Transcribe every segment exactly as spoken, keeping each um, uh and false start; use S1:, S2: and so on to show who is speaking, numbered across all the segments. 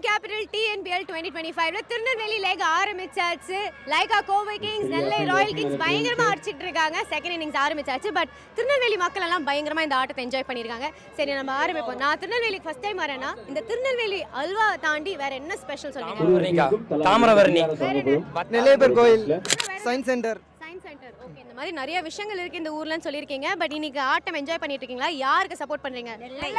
S1: Capital T N B L twenty twenty-five ல Tirunelveli leg ஆரம்பிச்சாச்சு. Lyca Kovai Kings, Nellai Royal Kings பயங்கரமா அடிச்சிட்டு இருக்காங்க. செகண்ட் இன்னிங்ஸ் ஆரம்பிச்சாச்சு. பட் திருநெல்வேலி மக்கள் எல்லாம் பயங்கரமா இந்த ஆட்டத்தை என்ஜாய் பண்ணிருக்காங்க. சரி, நம்ம ஆரம்பிப்போம். நான் திருநெல்வேலிக்கு ஃபர்ஸ்ட் டைம் வரேன்னா இந்த திருநெல்வேலி அல்வா தாண்டி வேற என்ன ஸ்பெஷல் சொல்லுங்க?
S2: தாமிரபரணி, நெல்லையப்பர் கோயில், science centre.
S1: Science centre. Okay, இந்த மாதிரி நிறைய விஷயங்கள் இருக்கு இந்த ஊர்லன்னு சொல்லிருக்கீங்க. பட் இன்னைக்கு ஆட்டம் என்ஜாய் பண்ணிட்டு இருக்கீங்களா? யாருக்கு சப்போர்ட் பண்றீங்க?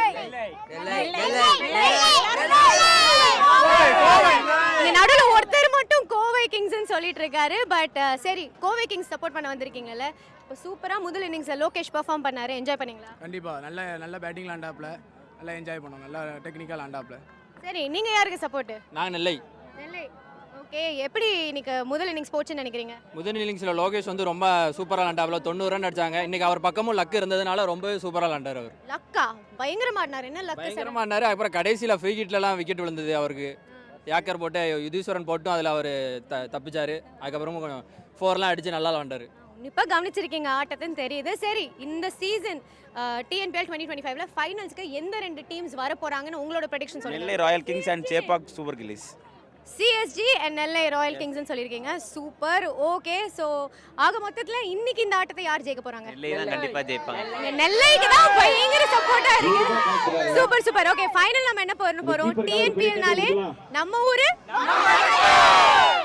S1: இங்க நடுவுல ஒருத்தர் மட்டும் கோவை கிங்ஸ்னு சொல்லிட்டு இருக்காரு. பட் சரி, கோவை கிங்ஸ் சப்போர்ட் பண்ண வந்திருக்கீங்கல்ல, இப்போ சூப்பரா முதல் இன்னிங்ஸ்ல லோகேஷ் பெர்ஃபார்ம் பண்ணாரு. என்ஜாய் பண்ணீங்களா?
S3: கண்டிப்பா. நல்ல நல்ல பேட்டிங் ஆண்டாப்ல, நல்லா என்ஜாய் பண்ணோம். நல்ல டெக்னிக்கல் ஆண்டாப்ல.
S1: சரி, நீங்க யாருக்கு சப்போர்ட்?
S2: நான் நெல்லை.
S1: நெல்லை. ஓகே, எப்படி இன்னைக்கு முதல் இன்னிங்ஸ் போச்சுன்னு நினைக்கிறீங்க?
S2: முதல் இன்னிங்ஸில் லோகேஷ் வந்து ரொம்ப சூப்பராக விளாண்டாப்ல, தொண்ணூறு ரன் அடிச்சாங்க. இன்னைக்கு அவர் பக்கமும் லக் இருந்ததுனால ரொம்பவே சூப்பராக விளாண்டார். அவர்
S1: லக்கா பயங்கரமா ஆடினார். என்ன லக்?
S2: பயங்கரமாக ஆடினார். அப்புறம் கடைசியில் ஃப்ரீ ஹிட்லலாம் விக்கெட் விழுந்தது அவருக்கு. யாக்கர் போட்டு யுதீஸ்வரன் போட்டும் அதில் அவர் த தப்பிச்சார். அதுக்கப்புறமும் ஃபோர்லாம் அடித்து நல்லா விளாண்டார்.
S1: இப்போ கவனிச்சிருக்கீங்க ஆட்டத்துன்னு தெரியுது. சரி, இந்த season T N B L twenty twenty-five ல ஃபைனல்ஸ்க்கு எந்த ரெண்டு டீம்ஸ் வர போறாங்கன்னு உங்களோட ப்ரெடிக்ஷன் சொல்லுங்க.
S4: Nellai Royal Kings and Chepauk Super Gillies.
S1: C S G and Nellai Royal கிங்ஸ்னு சொல்லியிருக்கீங்க. சூப்பர். ஓகே, ஸோ ஆக மொத்தத்தில் இன்னைக்கு இந்த ஆட்டத்தை யார் ஜெயிக்க போறாங்க?
S4: நெல்லை தான் கண்டிப்பா ஜெயிப்பாங்க.
S1: நெல்லைக்கு தான் பயங்கர சப்போர்ட்டா இருக்கு. Super super. ஓகே, ஃபைனல் நம்ம என்ன பண்ண போறோம்? T N B L னாலே நம்ம ஊரு